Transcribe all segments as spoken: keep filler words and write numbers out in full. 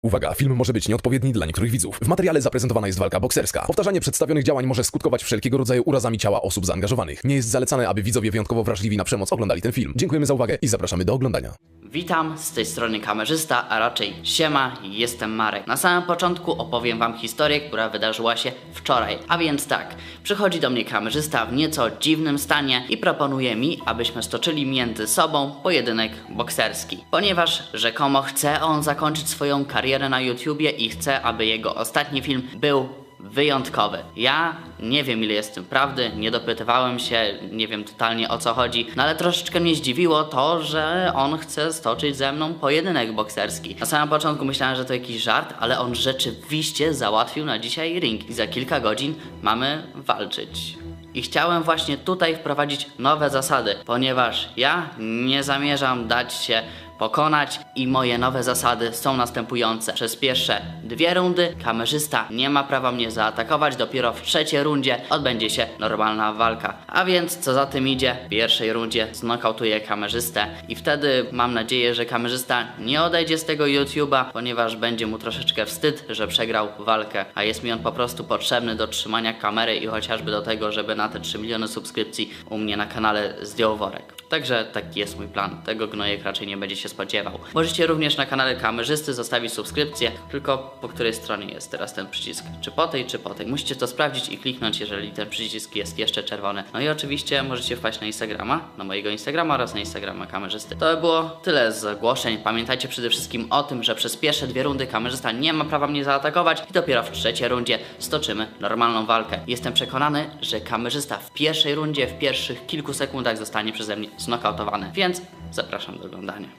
Uwaga, film może być nieodpowiedni dla niektórych widzów. W materiale zaprezentowana jest walka bokserska. Powtarzanie przedstawionych działań może skutkować wszelkiego rodzaju urazami ciała osób zaangażowanych. Nie jest zalecane, aby widzowie wyjątkowo wrażliwi na przemoc oglądali ten film. Dziękujemy za uwagę i zapraszamy do oglądania. Witam, z tej strony kamerzysta, a raczej siema, jestem Marek. Na samym początku opowiem wam historię, która wydarzyła się wczoraj. A więc tak, przychodzi do mnie kamerzysta w nieco dziwnym stanie i proponuje mi, abyśmy stoczyli między sobą pojedynek bokserski. Ponieważ rzekomo chce on zakończyć swoją karierę na YouTubie i chce, aby jego ostatni film był wyjątkowy. Ja nie wiem, ile jest w tym prawdy, nie dopytywałem się, nie wiem totalnie o co chodzi, no ale troszeczkę mnie zdziwiło to, że on chce stoczyć ze mną pojedynek bokserski. Na samym początku myślałem, że to jakiś żart, ale on rzeczywiście załatwił na dzisiaj ring i za kilka godzin mamy walczyć. I chciałem właśnie tutaj wprowadzić nowe zasady, ponieważ ja nie zamierzam dać się pokonać i moje nowe zasady są następujące. Przez pierwsze dwie rundy kamerzysta nie ma prawa mnie zaatakować, dopiero w trzeciej rundzie odbędzie się normalna walka. A więc co za tym idzie, w pierwszej rundzie znokautuję kamerzystę i wtedy mam nadzieję, że kamerzysta nie odejdzie z tego YouTube'a, ponieważ będzie mu troszeczkę wstyd, że przegrał walkę, a jest mi on po prostu potrzebny do trzymania kamery i chociażby do tego, żeby na te trzy miliony subskrypcji u mnie na kanale zdjął worek. Także taki jest mój plan, tego gnojek raczej nie będzie się spodziewał. Możecie również na kanale kamerzysty zostawić subskrypcję, tylko po której stronie jest teraz ten przycisk? Czy po tej, czy po tej? Musicie to sprawdzić i kliknąć, jeżeli ten przycisk jest jeszcze czerwony. No i oczywiście możecie wpaść na Instagrama, na mojego Instagrama oraz na Instagrama kamerzysty. To by było tyle z ogłoszeń. Pamiętajcie przede wszystkim o tym, że przez pierwsze dwie rundy kamerzysta nie ma prawa mnie zaatakować i dopiero w trzeciej rundzie stoczymy normalną walkę. Jestem przekonany, że kamerzysta w pierwszej rundzie, w pierwszych kilku sekundach zostanie przeze mnie znokautowany, więc zapraszam do oglądania.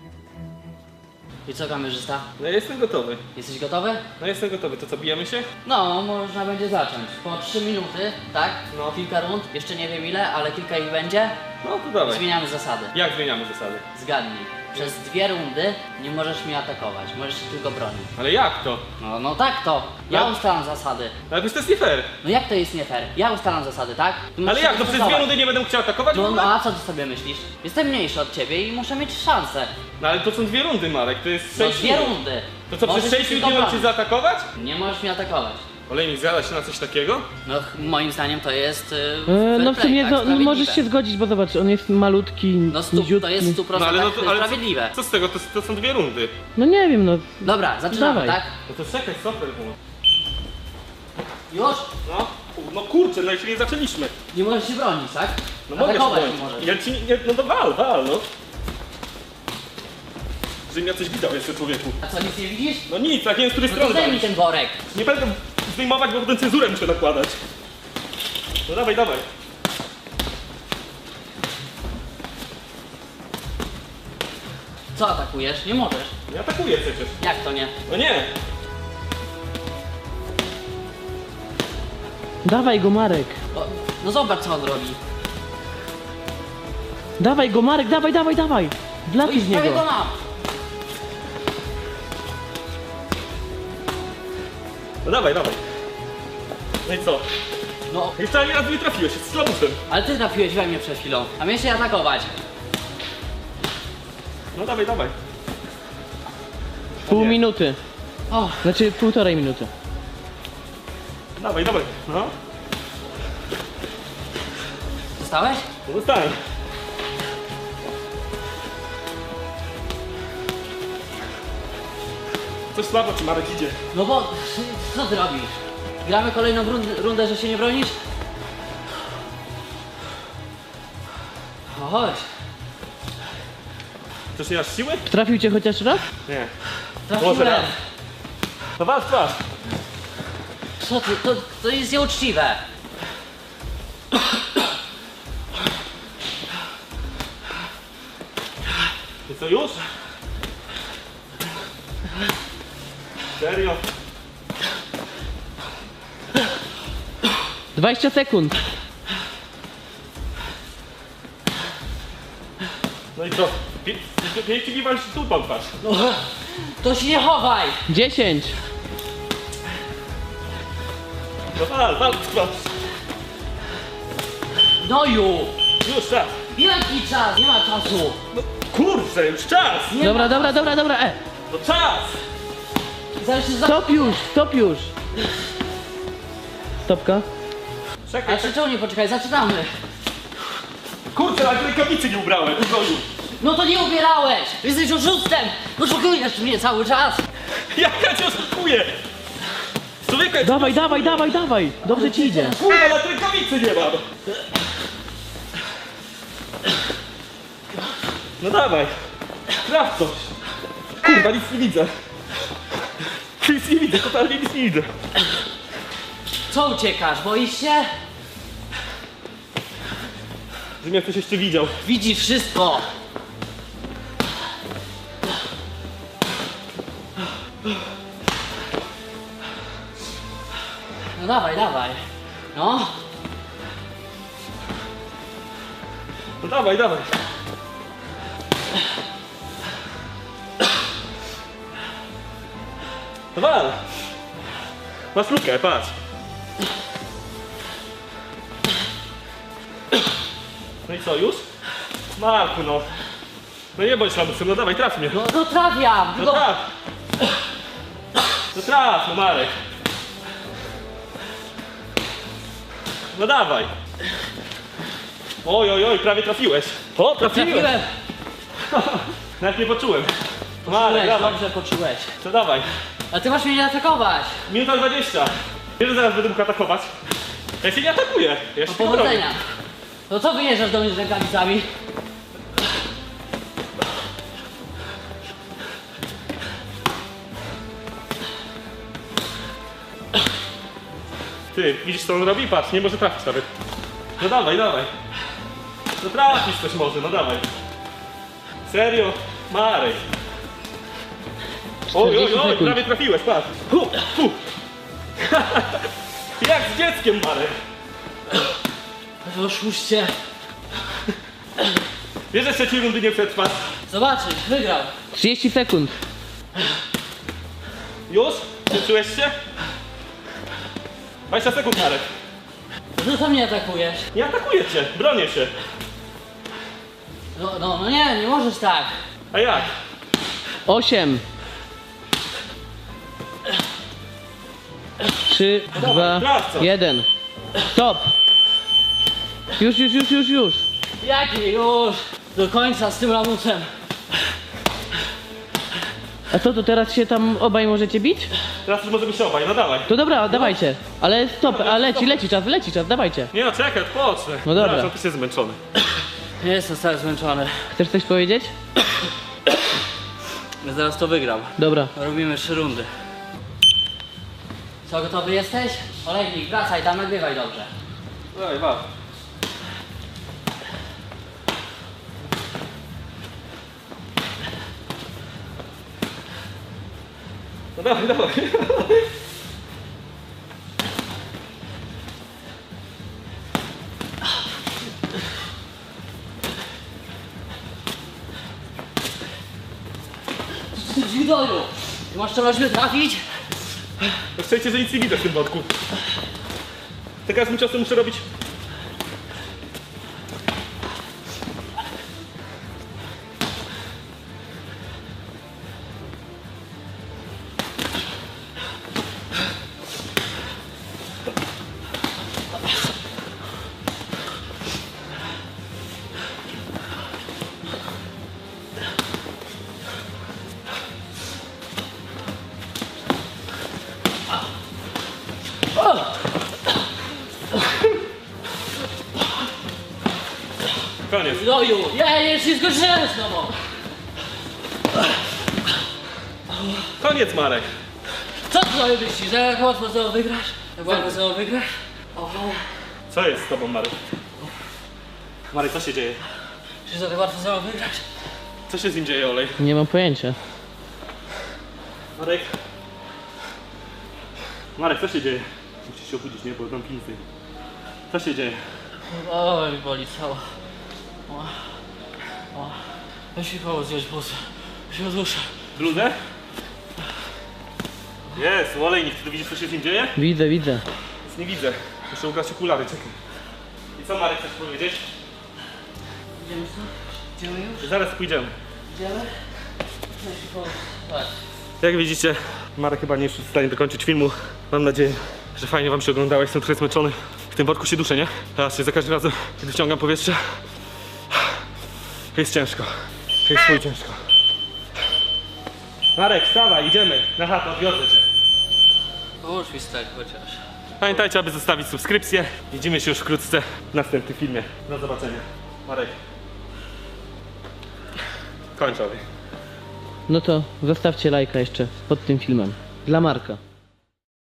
I co, kamerzysta? No ja jestem gotowy. Jesteś gotowy? No jestem gotowy. To co, bijemy się? No, można będzie zacząć. Po trzy minuty, tak? No. Kilka rund, jeszcze nie wiem ile, ale kilka ich będzie. No to dawaj. Zmieniamy zasady. Jak zmieniamy zasady? Zgadnij. Przez dwie rundy nie możesz mnie atakować, możesz się tylko bronić. Ale jak to? No, no tak to. Ja No. ustalam zasady. No ale to jest nie fair. No jak to jest nie fair? Ja ustalam zasady, tak? Ty musisz Ale się jak? No przez dwie dostosować. rundy nie będę chciał atakować w No, ogóle? no a co ty sobie myślisz? Jestem mniejszy od ciebie i muszę mieć szansę. No ale to są dwie rundy, Marek. To jest No sześć dwie minut. rundy. To co, Możesz przez się sześć minut tylko nie mam cię bronić. zaatakować? Nie możesz mnie atakować. Olejnik, zgadza się na coś takiego? No ch- moim zdaniem to jest yy, E, fair no w play, sumie tak? no, no, Sprawiedliwe. możesz się zgodzić, bo zobacz, on jest malutki, No stu, to niziutki. jest w stu procentach No ale, no to, ale sprawiedliwe. co, co z tego? To, to są dwie rundy. No nie wiem, no. Dobra, zaczynamy, Dawaj. tak? No to czekaj, super było. Już? No, no kurczę, no jeszcze nie zaczęliśmy. Nie możesz się bronić, tak? No mogę się Atakować bronić. nie możesz. Ja ci nie, no to wal, wal, no. Żebym ja coś widział jeszcze, człowieku. A co, nic nie widzisz? No nic, tak nie wiem z której No to strony zdejmij walić. ten worek. Nie będę zdejmować, bo potem cenzurę muszę nakładać. No dawaj, dawaj. Co atakujesz? Nie możesz. Nie atakuję przecież. Jak to nie? No nie. Dawaj go, Marek. O, no zobacz, co on robi. Dawaj go, Marek, dawaj, dawaj, dawaj. No Wlatuj i z prawie go niego. mam. No dawaj, dawaj. No i co? No, Jeszcze ani razu nie trafiłeś, jest slabuszem. ale ty trafiłeś we mnie przed chwilą, a miałeś się atakować. No dawaj, dawaj. Pół nie. minuty. O, Znaczy półtorej minuty. Dawaj, dawaj. No. zostałeś? No dostałem. Coś słabo ci Marek idzie. No bo, co ty robisz? Gramy kolejną rundę, rundę, że się nie bronisz? O, chodź. Też nie masz siły? Trafił cię chociaż raz? Nie. Trafiłem. Może raz. No was, was. Co ty, to, to jest nieuczciwe. Ty co już? Serio? dwadzieścia sekund. No i co? Pięknie mi wam się tu patrz. No, to się nie chowaj. dziesięć. No wal, wal, wal. Gnoju. Już czas. Jaki czas? Nie ma czasu. No kurczę, już czas. Nie Dobra, ma dobra, dobra, dobra, e. No czas. zaraz się za... Stop już, stop już. Stopka. Czekaj, A czy czemu nie poczekaj, zaczynamy. kurczę, ale rękawicy nie ubrałem. Ubronił. No to nie ubierałeś! Jesteś oszustem! Oszukujesz mnie cały czas! Jak ja cię oszukuję? Człowieka, Dawaj, dawaj, dawaj, dawaj. Dobrze ci idzie. kurwa, ale rękawicy nie mam. No dawaj. Traf coś. Kurwa, nic nie widzę. Nic nie widzę, totalnie nic nie widzę. Co uciekasz? Boisz się? Że mnie ktoś jeszcze widział. Widzisz wszystko! No dawaj, dawaj. No. No dawaj, dawaj. No wal. Masz lukę, patrz. No i co, już? Marku, no. No nie bądź lamusem, no dawaj, traf mnie. No, no trafiam! No Tylko... traf. No traf, no Marek. No dawaj. Oj, oj, oj, prawie trafiłeś. O, trafiłem. Trafiłem! Nawet nie poczułem. Marek, Poczułeś, dawaj. dobrze poczułeś. To dawaj. A ty masz mnie nie atakować! Minuta dwadzieścia. Wiesz, że zaraz będę mógł atakować? Ja się nie atakuję. Ja się No tylko bronię. powodzenia! No co wyjeżdżasz do mnie z rękawicami? Ty, widzisz co on robi? Patrz, nie może trafić nawet. No dawaj, dawaj. No trafisz coś może, no dawaj. Serio? Marek. Oj, oj, czterdzieści oj, sekund. prawie trafiłeś, patrz. Hu, hu. Jak z dzieckiem, Marek. Oszuście! Wiesz, że trzeciej rundy nie przetrwasz? Zobaczysz, wygrał! trzydzieści sekund. Już? Czułeś się? dwadzieścia sekund, Marek. No to mnie atakujesz. Nie atakuję cię, bronię się. No, no, no nie, nie możesz tak. A jak? osiem. trzy, dwa, sprawdź. jeden. Stop. Już, już, już, już, już. Jaki już? Do końca z tym lamusem. A co, to teraz się tam obaj możecie bić? Teraz już możemy się obaj, no dawaj. To dobra, dawajcie. Ale stop, a leci, leci czas, leci czas, dawajcie. Nie no, czekaj, odpocznę. No dobra. Zobacz, on też jest zmęczony. Nie jestem cały zmęczony. Chcesz coś powiedzieć? Ja zaraz to wygram. Dobra. Robimy trzy rundy. Co, gotowy jesteś? Olejnik, wracaj tam, nagrywaj dobrze. Dawaj, wal. No dawaj, dawaj. Zwidoju! Ty masz czegoś mnie trafić? No szczęście, że nic nie widzę w tym wodku. Za każdym czasem muszę robić... Koniec. Zwidoju! Ja nie się skończyłem z tobą! Koniec, Marek. Co ty sobie myślisz, że jak łatwo znowu wygrasz? Jak łatwo znowu wygrasz? O, Co jest z tobą, Marek? Marek, co się dzieje? czy za tak łatwo znowu wygrasz? Co się z nim dzieje, Olej? Nie mam pojęcia. Marek? Marek, co się dzieje? Musisz się obudzić, nie? Bo mam pinicę. Co się dzieje? Oj, boli cała. O, o. Weź mi pomóc zdjąć bluzę. Się odduszę. Bluzę? Jest, Olejnik, ty widzisz, co się z nim dzieje? Widzę, widzę. Nic nie widzę. Muszę ubrać okulary, czekaj. I co, Marek, chcesz powiedzieć? Idziemy stąd? Idziemy już? Zaraz pójdziemy. Idziemy? Weź mi pomóc. Patrz. Jak widzicie, Marek chyba nie jest w stanie dokończyć filmu. Mam nadzieję, że fajnie wam się oglądało. Jestem trochę zmęczony. W tym worku się duszę, nie? Teraz się za każdym razem, kiedy wciągam powietrze, jest ciężko. Jest chuj ciężko. Marek, wstawaj, idziemy. Na chatę, odwiozę cię. Pomóż mi stać chociaż. Pamiętajcie, aby zostawić subskrypcję. Widzimy się już wkrótce w następnym filmie. Do zobaczenia. Marek. Kończę. No to zostawcie lajka jeszcze pod tym filmem. Dla Marka.